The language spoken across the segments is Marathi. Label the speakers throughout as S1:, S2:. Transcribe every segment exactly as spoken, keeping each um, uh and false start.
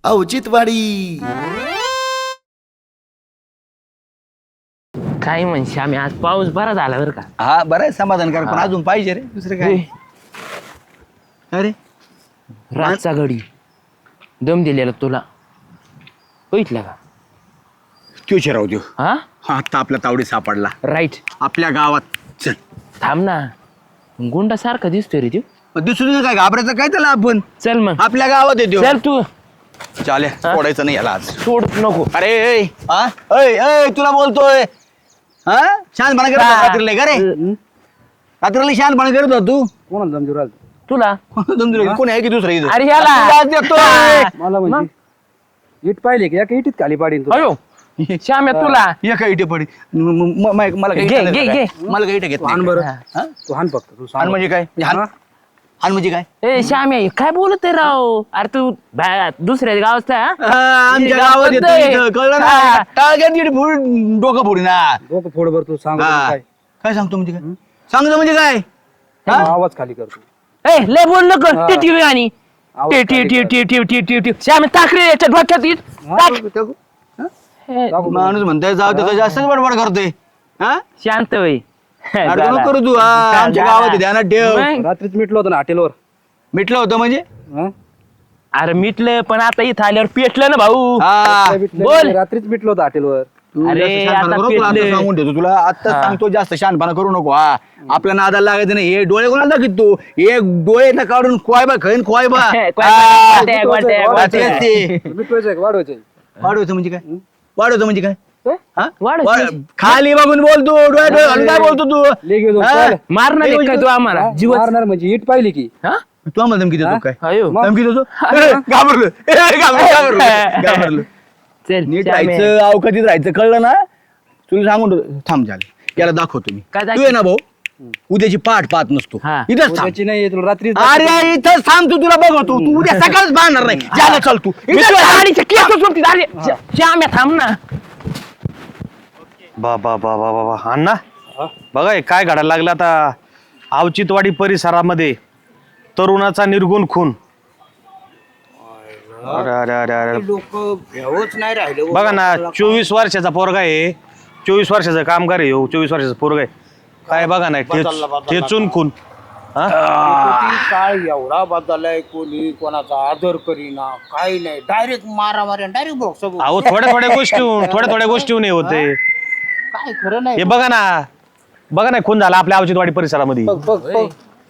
S1: औचित्यवाडी.
S2: काय म्हणशी आम्ही आज पाऊस बरा झाला बरं का.
S3: हा बरं आहे समाधानकारक पण अजून पाहिजे रे दुसरं काय. अरे
S2: रातचा घडी दम दिलेला तुला बघितलं का.
S3: त्यो शिराव देऊ
S2: हा
S3: हा आता आपला तावडी सापडला
S2: राईट.
S3: आपल्या गावात. चल
S2: थांब ना गुंडा सारखा दिसतोय रे तू.
S3: मग दुसरं काय घाबरायचं काय त्याला आपण
S2: चल मग
S3: आपल्या गावात येतो.
S2: चल तू
S3: चाले सोडायचं नाही याला आज.
S2: सोड नको.
S3: अरे ऐ, हा ऐ, ऐ, तुला बोलतोय हा शहाणपणा करत होता रात्रीला का रे. रात्रीला शहाणपणा करत होता तू.
S4: कोणाला जमजूर आलं
S2: तुला
S3: जमजूर कोण आहे की दुसरं इथं?
S2: अरे याला
S3: आज देतोय.
S4: मला म्हणजे इट पाहिले की एका इटीत खाली पाडीन तू.
S2: अयो श्याम्या तुला
S3: ये काय इथे पडी म- म- म- मला काही
S2: घे,
S3: इथं
S2: घे,
S3: नाही
S2: घे.
S3: काय. मला काही इथं घेत
S4: हान
S3: नाही.
S4: बरं
S3: हा?
S4: तू हान फक्त तू
S3: हान
S4: सांग
S3: म्हणजे काय हान हान म्हणजे काय
S2: ए श्याम्या हे काय बोलत आहे राव. अरे तू बा- दुसऱ्या गावात
S3: हा, आमच्या गावात येतो इथं, कळलं ना टाळग्यात इकडे फोड डोकं फोडी ना.
S4: डोकं फोड बरं तू सांग
S3: हा.
S4: काय
S3: काय सांगतो म्हणजे काय सांगतो म्हणजे काय हा?
S4: आवाज खाली करतो.
S2: ए लय बोल नको
S4: हा.
S2: ते टीव्ही आणि
S4: आवाज
S2: ते टी
S4: खाली
S2: टी
S4: कर.
S2: टी टी टी टी टी श्याम्या टाकरे याच्या डोक्यात येत.
S4: हा,
S2: टाक.
S4: टाकू.
S2: हे,
S4: टाकू.
S3: माणूस म्हणताय जाऊ तर जास्तच बडबड करतोय हा
S2: शांत होई.
S3: अडचण नको करू तू हा, आमच्या गावात ध्यानात ठेव.
S2: मग?
S4: रात्रीच मिटलं होतं ना हॉटेलवर.
S3: मिटलं होतं म्हणजे
S4: हा?
S2: अरे मिटलं पण आता इथं आल्यावर पेटलं ना भाऊ.
S3: हा
S4: काय मिटलं?
S2: बोल.
S4: रात्रीच मिटलं होतं हॉटेलवर.
S3: तू
S2: अरे,
S3: जास्त शहाणपणा
S2: आता
S3: करू नको, आता
S2: पेटले.
S3: सांगून ठेवतो तुला आता
S2: हा.
S3: सांगतो जास्त शहाणपणा करू नको हा. आपल्या नादाला लागायचं नाही. हे डोळे कोणाला दाखवित तू एक डोळे ना काढून खोयबा खैन खोयबा
S2: खोयबा, गोट्या, गोट्या,
S3: गोट्या.
S2: गोट्या.
S4: मिटवायचं का वाढवायचं?
S3: वाढवतं म्हणजे काय वाढवतं म्हणजे काय हा?
S2: वाढवतं
S3: वाढ-
S2: म्हणजे?
S3: खाली बघून बोलतो डोळे डोळे घालून काय बोलतो तू
S4: ले घेऊन
S3: हा?
S4: चाल.
S2: मारणार आहे काय तू आम्हाला जीव.
S4: मारणार म्हणजे इट पाहिली की
S2: हा
S3: तू आम्हाला धमकी देतो काय
S2: अयो
S3: धमकी देतो ए, घाबरलो ए, घाबरलो घाबरलो घाबरलो
S2: चल
S3: नीट
S2: श्याम्या.
S3: राहायचं अवकाशीत राहायचं कळलं ना तुला सांगून ठेवतो. थांब झाले याला दाखवतो मी
S2: काय
S3: तू
S2: दाखव?
S3: ये ना भाऊ उद्याची पाठ पाहत नसतो
S2: हा.
S3: इथंच थांब
S4: उद्याची नाही तुला रात्री
S3: अरे इथंच थांब तू तुला बघतो तू उद्या सकाळच बांधणार नाही ज्याला चल तू
S2: मी
S3: इथंच
S2: तुला
S3: थांब.
S2: गाडीच्या केसच सोडतील. अरे श्याम्या थांब ना.
S5: बाबा बाबा बाबा अण्णा बघा हे काय घडायला लागलं आता अवचितवाडी परिसरामध्ये तरुणाचा निर्गुण खून. अरे अरे अरे अरे
S6: लोक भेवच नाही राहिले.
S5: बघा ना चोवीस वर्षाचा पोरगा आहे चोवीस वर्षाचा कामगार आहे हो चोवीस वर्षाचा पोरगा आहे काय बघा ना ठेच- ठेचून खून हा
S6: काळ एवढा बदललाय कोणी कोणाचा आदर करीना काही नाही डायरेक्ट मारा मारा डायरेक्ट बॉक्स
S5: अहो थोड्या थोड्या गोष्टी थोड्या थोड्या गोष्टी हे होते
S6: काय खरं नाही.
S5: हे बघा ना बघा ना खून झाला आपल्या अवचितवाडी परिसरामध्ये
S6: बघ बघ बघ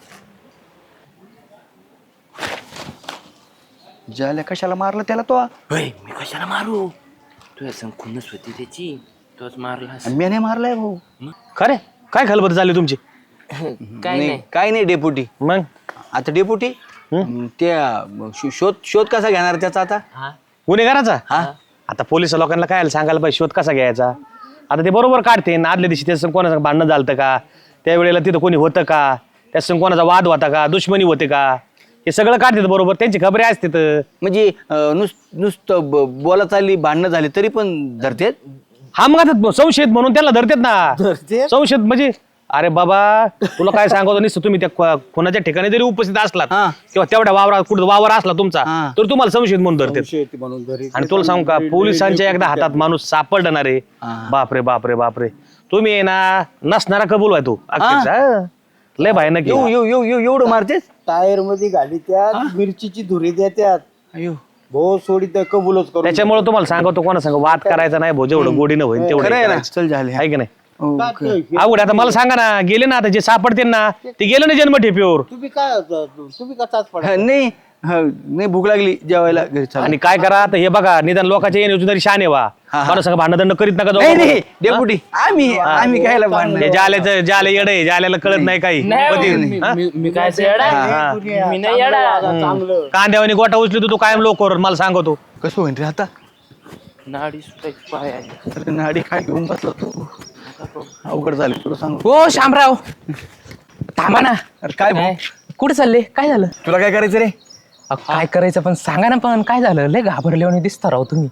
S3: ज्याला कशाला मारलं त्याला तो
S2: होय मी कशाला मारू. तुझ्या संग खुन्नस होती त्याची तोच मारला.
S3: मी नाही मारलाय भाऊ
S5: खरे काय खलबत झाली तुमची
S2: काय नाही.
S3: काय नाही डेपुटी
S5: मग
S3: आता डेपुटी त्या शो- शोध शोध कसा घेणार त्याचा आता
S2: हा
S5: गुन्हेगाराचा
S3: हा
S5: आता पोलीस लोकांना काय सांगायला पाहिजे शोध कसा घ्यायचा आता ते बरोबर काढते ना आदल्या दिवशी त्याचं कोणाचं भांडणं झालं का त्यावेळेला तिथं कोणी होतं का त्याचं कोणाचा वाद होता का दुश्मनी होते का हे सगळं काढतात बरोबर त्यांची खबरे असतात.
S3: म्हणजे अं, नुस नुसतं ब- बोला चालली भांडणं झाली तरी पण धरतेत.
S5: हा मग आता संशयित म्हणून त्याला धरतात ना संशयित म्हणजे अरे बाबा तुला काय सांगतो नुसतं तुम्ही त्या खो- खुनाच्या ठिकाणी जरी उपस्थित असलात
S3: हा.
S5: किंवा तेवढ्या वावरात कुठं वावर असला तुमचा
S3: हा.
S5: तर तुम्हाला संशयित म्हणून धरतात.
S6: शेती म्हणून घरी
S5: आणि तुला सांगू का पोलिसांच्या एकदा हातात माणूस सापडणार आहे
S3: हा.
S5: बापरे बापरे बापरे तुम्ही आहे ना नसणारा कबूल आहे तू अक्षरशः. लय भयानक
S3: येऊ
S5: आहे.
S3: येऊ येऊ येऊ एवढं मारतेस
S6: टायर मध्ये घाली त्यात मिरचीची धुरी देत्यात
S3: अयो
S6: भो सोडी तर कबूलच करू.
S5: त्याच्यामुळे तुम्हाला सांगतो कोणा सांग वाद करायचा नाही भाऊ जेवढं गोडीनं होईल तेवढं
S3: खरं आहे ना
S5: करायचं.
S3: चल झाले
S5: आहे की नाही
S3: हो,
S6: का
S3: खरं.
S6: ते-
S5: अवघड आहे. आता मला सांगा ना गेले ना आता जे सापडते ना ते गेले ना जन्म ठेपीवर
S6: तुम्ही काय तुम्ही कसाच पडा
S3: हा, नाही हा, नाही भूक लागली जेवायला घरी चाल.
S5: आणि काय करा आता हे बघा निदान लोकांच्या येण्याची तरी शान आहे वा
S3: हा, हा.
S5: मला सांगा भांडण करीत नका
S3: नाही नाही
S5: जाऊ.
S3: डेपुटी आम्ही आम्ही कायला भांडण
S5: हे जाल्याचं जाले येड आहे जाल्याला कळत नाही काही
S2: नाही,
S5: कधी- हा?
S2: मी- मी काय येडा
S5: हा.
S2: मी नाही येडा.
S6: चांगलं
S5: कांद्यावानी गोटा उचली तू कायम लोकर मला सांगतो
S3: कसं होईल रे आता
S2: नाडी सुटायची पाय आहे.
S3: अरे नाडी काय घेऊन बसला तू अवघड झाले तुला सांग
S2: हो शामराव थांबा ना.
S3: अरे काय भाऊ?
S2: काय? कुठे चालले काय झालं.
S3: तुला काय करायचं रे
S2: अहो, काय करायचं पण सांगा ना पण काय झालं लय घाबरले दिसता राव तुम्ही.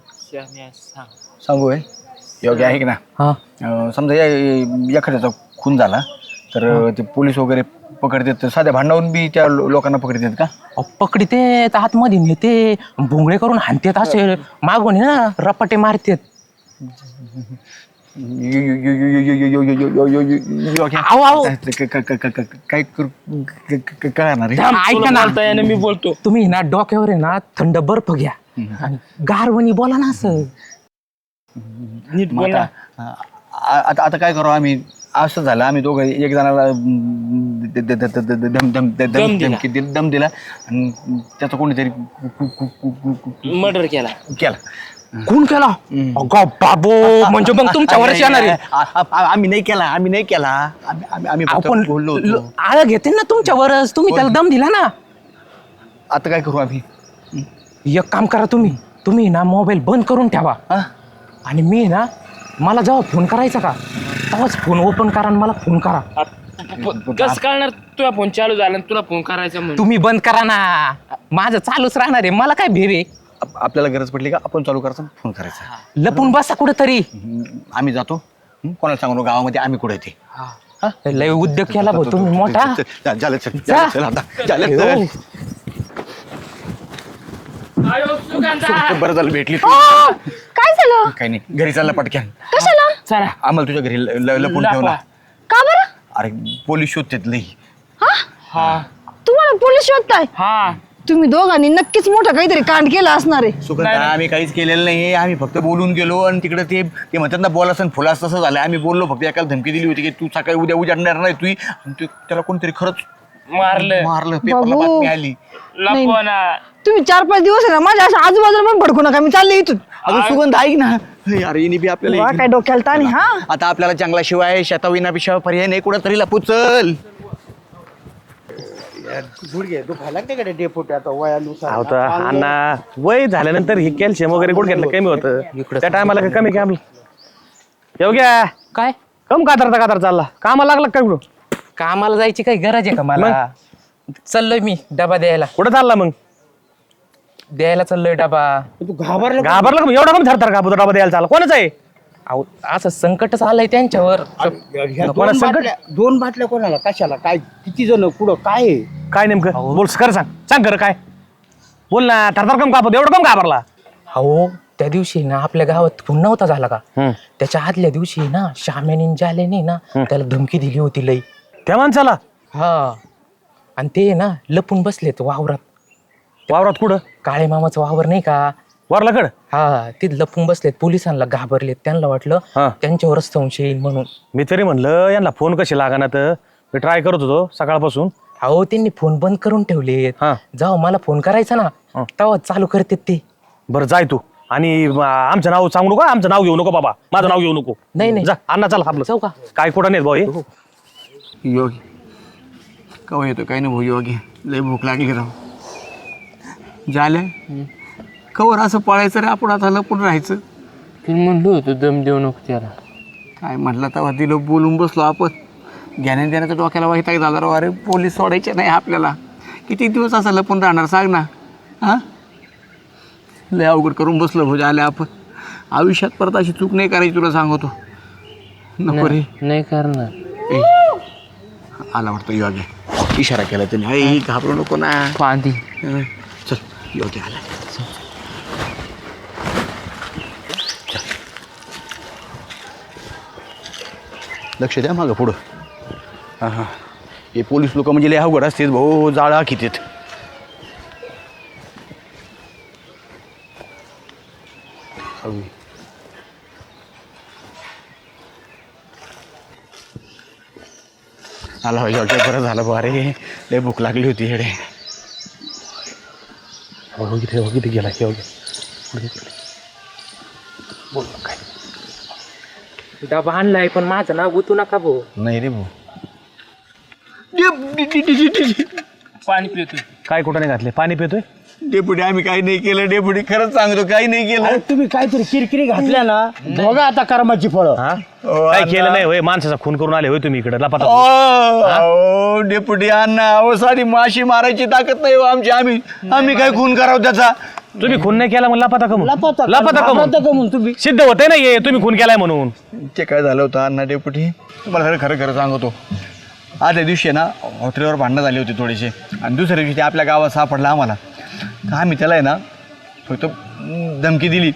S3: सांगू आहे योग्य आहे की ना
S2: हा
S3: अं, समजा या- एखाद्याचा खून झाला तर ते पोलीस वगैरे पकडतात साध्या भांडावून बी त्या लो- लोकांना पकडतात का?
S2: अहो, पकडते आतमध्ये नेते भोंगळे करून हाणतात असे मागून आहे ना रपाटे मारतात.
S3: यो- यो- यो- यो- यो- यो- यो- यो- यो- यो- यो- यो- यो-
S2: आहो, आहो.
S3: काय काय- काय- काय- काय करू काय- काय- काय करणार आहे?
S2: ऐका ना मी बोलतो तुम्ही ना डोक्यावर आहे ना थंड बर्फ घ्या आणि गारवणी बोला ना असं.
S6: नीट
S3: मग
S6: बोल ना.
S3: आता आ- आता आता काय करू आम्ही असं झालं आम्ही दोघं एक जणाला अं, द- द- द- द- द- दम दम दम
S6: दम दिला.
S3: धमकी दिली- दम दिला आणि त्याचा कोणीतरी कु- कु- कु- कु- कु- कु-
S2: मर्डर केला.
S3: केला.
S2: कोण केला? अगं बाबो म्हणजे मग तुमच्यावरच येणार आहे.
S3: आ- आ- आ- आम्ही नाही केला आम्ही नाही केला आम्ही आम्ही- आम्ही फक्त
S2: आपण
S3: बोललो होतो.
S2: आळ घेते ना तुमच्यावरच तुम्ही त्याला दम दिला ना.
S3: आता काय करू आम्ही?
S2: एक काम करा तुम्ही तुम्ही ना मोबाईल बंद करून ठेवा
S3: हा?
S2: आणि मी ना मला जेव्हा फोन करायचा का तेव्हाच फोन ओपन करा आणि मला फोन करा.
S1: कसं कळणार तुला फोन चालू झाला आणि तुला फोन करायचा म्हणून?
S2: तुम्ही बंद करा ना माझं चालूच राहणार आहे मला काय भेवे.
S3: आप- आपल्याला गरज पडली का आपण चालू करायचा फोन करायचा.
S2: लपून बसा कुठेतरी.
S3: हम्म, आम्ही जातो हम्म, कोणाला सांगू नको, गावामध्ये आम्ही कुठे येते
S2: लय उद्योग केला भाऊ तुम्ही मोठा.
S3: झालं चल
S2: जा.
S3: झालं, चल आता झालं, चल.
S1: आयो, सुगंधा!
S3: बरं झालं भेटली तू.
S7: काय झालं?
S3: काही नाही घरी चालला पटक्यान
S7: कशाला?
S1: चला
S3: आम्हाला तुझ्या घरी ल- ल- लपून ठेव ना.
S1: लपवा.
S7: का बरं?
S3: अरे पोलीस शोधतात लई.
S1: हा
S7: तुम्हाला पोलीस शोधताय?
S1: हा
S7: तुम्ही दोघांनी नक्कीच मोठं काहीतरी कांड केला असणार आहे.
S3: सुगंधा आम्ही काहीच केलेलं नाही आम्ही फक्त बोलून गेलो आणि तिकडे ते ते म्हणतात ना बोलास आणि फुलास तसं झालं आम्ही बोललो फक्त एकाला धमकी दिली होती की तू सकाळी उद्या उजाडणार नाही तू आणि ते- त्याला कोणतरी खरंच
S1: मारलं
S3: मारलं पेपरला
S7: बाबू.
S3: बातमी आली.
S1: लपवा ना.
S7: तुम्ही चार पाच दिवस आहे ना माझ्या अशा आजूबाजूला पण भडकू नका मी चालले इथून.
S3: अगं सुगंध ऐक ना हे अरे हिने बी आपल्याला
S7: वा,
S3: एक-
S7: काय डोक्याला ताण आहे, हा.
S3: आता आपल्याला जंगला शिवाय शेताविनाशिवाय पर्याय नाही कुठं तरी लपू चल.
S6: गुडघे दुखायला लागते का डेपोटी आता वयानुसार
S5: अहो तर अण्णा वय झाल्यानंतर हे कॅल्शियम वगैरे गुडघ्यातलं कमी होतं त्या टायमाला काय कमी कॅम येऊ घ्या
S2: काय
S5: कम कातरता कातर चालला कामाला लागला काय कुठं
S2: कामाला जायची काही गरज आहे का मला? चाललोय मी डबा द्यायला
S5: कुठं चालला मग
S2: द्यायला चाललोय डबा.
S6: तू घाबरला का?
S5: घाबरला का? एवढा कमी थरथर घाबरतो डबा द्यायला चालला कोणाच आहे
S2: अहो असं संकटच आलंय त्यांच्यावर.
S6: ह्या
S5: कोणा
S6: दोन
S5: संकट?
S6: बाटल्या दोन बाटल्या कोणाला कशाला काय किती जण कुठं काय आहे?
S5: काय नेमकं बोल खरं सांग सांग खरं काय बोल ना थरथर कम कापत एवढं कम घाबरला
S2: अहो त्या दिवशी ना आपल्या गावात खून नव्हता झाला का
S5: हम्म.
S2: त्याच्या आदल्या दिवशी ना श्यामेने जालेने ना त्याला धमकी दिली होती लई.
S5: त्या माणसाला
S2: हा आणि ते ना लपून बसलेत वावरात.
S5: वावरात कुठं
S2: काळे मामाचं वावर नाही का
S5: वारलाकड
S2: हा ते लपून बसलेत पोलिसांना घाबरलेत त्यांना वाटलं
S5: हा.
S2: त्यांच्यावरच संशय येईल म्हणून.
S5: मी तरी म्हणलं यांना फोन कशी लागाना तर मी ट्राय करत होतो सकाळपासून
S2: अहो त्यांनी फोन बंद करून ठेवलेत.
S5: हा.
S2: जाऊ मला फोन करायचा ना तेव्हा चालू करते ते.
S5: बरं जाय तू आणि अं, आमचं नाव सांगू नको आमचं नाव घेऊ नको बाबा माझं नाव घेऊ नको
S2: नाही, नाही.
S5: जा अण्णा चला आपलं
S2: जाऊ का?
S5: काय कुठं नाही भाऊ हे
S3: योगी कवा येतो काही नाही भाऊ योगी लय भूक लागली राव झालं कवर असं पळायचं रे आपण आता लपून राहायचं.
S1: मी म्हणलो होतो दम देऊ नको त्याला.
S3: काय म्हटलं तेव्हा दिलं बोलून बसलो आपण ज्ञान देण्याच्या डोक्याला वाईट झाला राव अरे पोलीस सोडायचे नाही आपल्याला किती दिवस असं लपून राहणार सांग ना. हां लय अवघड करून बसलो भाऊ झालं आपण आयुष्यात परत अशी चूक नाही करायची तुला सांगतो नको रे.
S1: नाही करणार.
S3: ए, आला वाटतं योगी इशारा केला त्याने अय घाबरू नको ना.
S1: पांदी
S3: हं, चल योगी आला. लक्ष द्या मागं पुढं हां हां हे पोलीस लोक म्हणजे लय अवघड असतात भाऊ जाळा कितीत. आला योग्य बरं झालं बा रे लय भूक लागली होती हेडे.
S5: हो किती हो किती गेला की बोल काय
S2: डबा आणलाय पण माझं नाव गुतू नका भाऊ.
S3: नाही रे भाऊ
S1: पाणी पितो.
S5: काय कुठं नाही घातले पाणी पितोय
S3: डेपुटी आम्ही काही नाही केलं डेपुटी खरंच सांगतो काही नाही केलं.
S6: अरे तुम्ही काहीतरी किरकिरी घातल्या ना बघा आता कर्माची फळं.
S5: हा
S3: ओ,
S5: काय
S3: अण्णा.
S5: केलं नाही होय माणसाचा खून करून आले होय तुम्ही इकडे लपाता
S3: ओ, अहो, डेपुटी अण्णा अहो सारी माशी मारायची ताकद नाही हो आमची आम्ही आम्ही काय खून करावं त्याचा.
S5: तुम्ही खून नाही केला म्हणून लपाता कमून
S6: लपवता
S5: लपाता
S6: लपवता
S5: कमून
S6: कमून तुम्ही
S5: सिद्ध होते ना ये तुम्ही खून केलाय म्हणून
S3: ते काय झालं होतं अण्णा डेपुटी तुम्हाला खरं खरं खरं सांगतो आदल्या दिवशी ना हॉटेलवर भांडणं झाली होती थोडीशी आणि दुसऱ्या दिवशी ते आपल्या गावात सापडला आम्हाला. तर आम्ही त्याला आहे ना फक्त धमकी दिली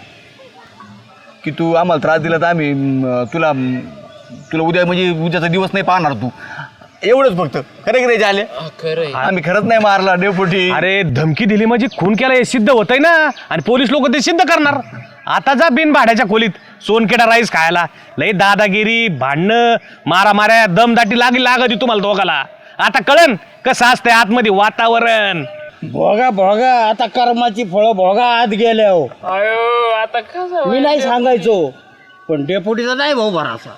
S3: की तू आम्हाला त्रास दिला तर आम्ही अं, तुला तुला उद्या म्हणजे उद्याचा दिवस नाही पाहणार तू, एवढंच फक्त. खरे खरे झाले
S1: खरं
S3: आम्ही खरंच नाही मारला डेपुटी.
S5: अरे धमकी दिली म्हणजे खून केला हे सिद्ध होतंय ना, आणि पोलीस लोक ते सिद्ध करणार. आता जा बिन भाड्याच्या खोलीत सोनकेडा राईस खायला, लई दादागिरी, भांडणं, मारामाऱ्या, दमदाटी लागली लागत तुम्हाला दोघाला. आता कळन कसं असतंय आतमध्ये वातावरण.
S6: भोगा भोगा आता कर्माची फळं भोगा आत गेले हो.
S1: अयो आता कसं
S6: मी नाही सांगायचो पण डेपुटीचा नाही भाऊ भरासा.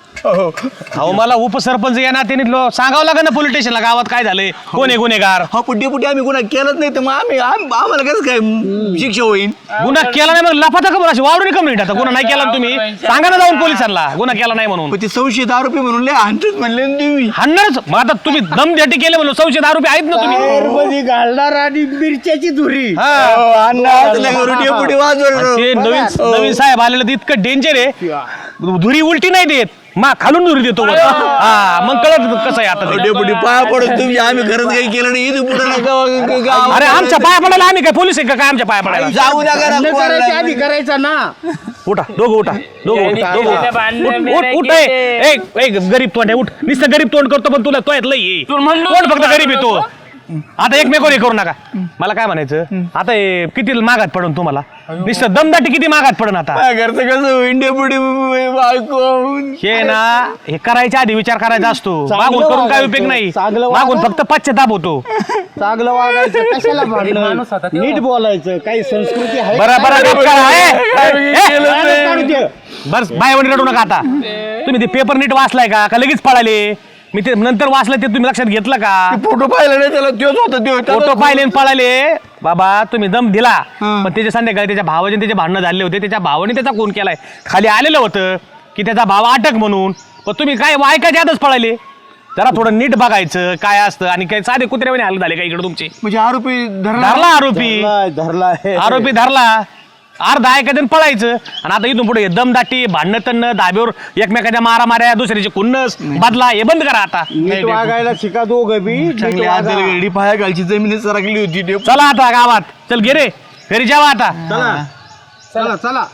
S5: अहो मला उपसरपंच या नात्याने लो- सांगावं लागेल ना पोलीस स्टेशनला गावात काय झालंय, कोण आहे गुन्हेगार.
S3: हा पण डेपुटी आम्ही गुन्हा केलंच नाही तर मग आम्ही आम- आम्हाला कसं काय शिक्षा होईल.
S5: गुन्हा केला नाही मग लफाता का बरं अशी वावरून कमी आता गुन्हा नाही केला ना तुम्ही सांगा ना जाऊन पोलिसांना गुन्हा केला नाही म्हणून.
S3: पण ते संशयित आरोपी म्हणून लय हाणतच म्हणले ना तुम्ही.
S5: हाणणारच मग आता तुम्ही दमदाटी केले म्हणून संशय आरोपी आहेत ना तुम्ही.
S6: मध्ये घालणार आणि मिरच्याची धुरी.
S5: हा.
S3: हो, अण्णा असल्या करून डेपुटी वाजवलं.
S5: आणि ते नवीन नवीन साहेब आलेलं ते इतकं डेंजर आहे, धुरी उलटी नाही देत मा खालून धुरी देतो वर. हा मग कळत कसं आहे आता ते.
S3: डेपुटी पाया पडत तुम्ही, आम्ही खरंच काही केलं नाही. इथं पुढे नका
S5: अरे आमच्या पाया पडायला आम्ही काय पोलीस आहे का काय आमच्या पाया पडायला.
S3: जाऊ द्या
S6: लग्न करायच्या
S3: करा
S6: आधी करायचा ना.
S5: उठा दोघं उठा दोघं उठा दोघं उठा.
S1: भांडणं
S5: उठ, उठ,
S1: बिंडणं
S5: उठ,
S1: केले.
S5: ए, ए, ए, गरीब तोंड आहे उठ. नुसतं गरीब तोंड करतो पण तुला तो येतलं ये
S1: तू म्हणलो
S5: कोण फक्त
S1: ना,
S5: गरीब येतो. आता एकमेकावर हे करू नका. मला काय म्हणायचं आता हे किती मागात पडून तुम्हाला नुसतं दमदाटी किती मागात पडून आता.
S3: घरचं कसं होईन डेपुटी बायको.
S5: हे ना हे करायच्या आधी विचार करायचा असतो, मागून करून काय उपयोग नाही.
S6: चांगलं
S5: मागून फक्त पश्चाताप होतो.
S6: चांगलं वागायचं कशाला भांडणं, नीट बोलायचं. काही संस्कृती आहे.
S5: बरं बरं गप करा. ए, ए, ए,
S6: माणूस काढू दे.
S5: बस बायवणी रडू नका आता. तुम्ही ते पेपर नीट वाचलाय का का लगेच पळाले. मी ते नंतर वाचलं ते तुम्ही लक्षात घेतलं का.
S3: फोटो पाहिला नाही त्याला तोच होता त्यो.
S5: फोटो पाहिले आणि पळाले. बाबा तुम्ही दम दिला पण त्याच्या संध्याकाळी त्याच्या भावाचे त्याचे भांडणं झाले होते, त्याच्या भावाने त्याचा खून केलाय. खाली आलेलं होतं की त्याचा भाव अटक म्हणून, पण तुम्ही काय ऐकायच्या आतच पळाले. जरा थोडं नीट बघायचं काय असतं. आणि काय साधे कुत्र्याने हाल झाले का इकडे तुमचे.
S3: म्हणजे आरोपी धरला.
S5: धरला आरोपी
S6: धरलाय, धरलाय.
S5: आरोपी धरला अर्धा ऐकायचं पळायचं. आणि आता इथून पुढे दमदाटी, भांडणं तणं, धाब्यावर एकमेकाच्या मारा माऱ्या, दुसऱ्याचे खुन्नस बदला हे बंद करा आता.
S6: नीट वागायला शिका दोघं बी. नीट
S3: चांगली
S6: वागा.
S3: आदल गेली पाया गालची जमीन सरकली होती डेपुटी.
S5: चला आता गावात चल गे रे घरी जावा आता.
S6: चला चला चला.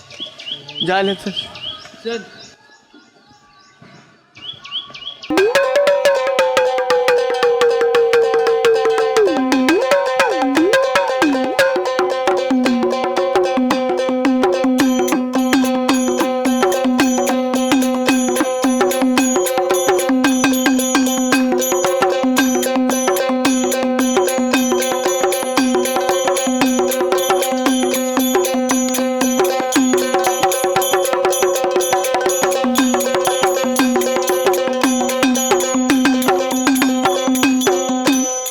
S3: झालं तर.